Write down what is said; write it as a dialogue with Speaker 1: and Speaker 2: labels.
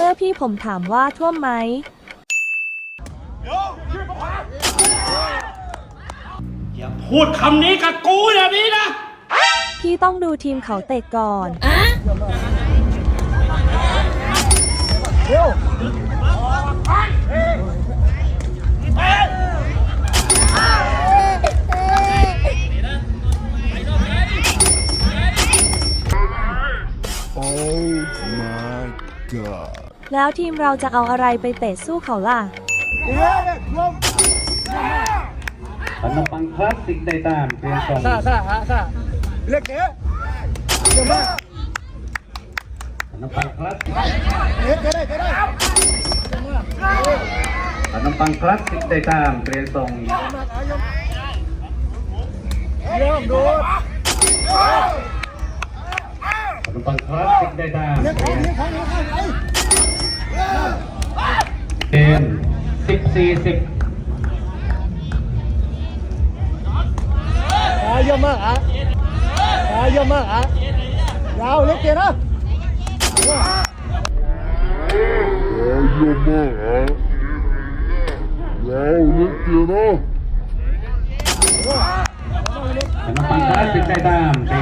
Speaker 1: อร์พี่ผมถามว่าท่วมไหม
Speaker 2: อย่าพูดคำนี้กับกูอย่างนี้นะ
Speaker 1: พี่ต้องดูทีมเขาเตะก่อน แล้วทีมเราจะเอาอะไรไปเตะสู้เขาล่ะ
Speaker 3: ขนมปังคลาสสิกได้ตามเปลี่ยนส่ง
Speaker 4: เล็กเก๋เดี๋ยวมา
Speaker 3: ขนมปังคลาสสิก
Speaker 4: เล็กเก๋ได้
Speaker 3: ขนมปังคลาสสิกได้ตามเปลี่ยนส่ง
Speaker 4: เริ่มดู
Speaker 3: ขนมปังคลาสสิกได้ตาม
Speaker 4: เล็กของนี้ไอ้
Speaker 3: เกม14-10
Speaker 4: เยอะมากเยอะมากยาวเล็กเก๋นะ
Speaker 3: ขนมปังคลาสสิกได้ตามเปลี่ยน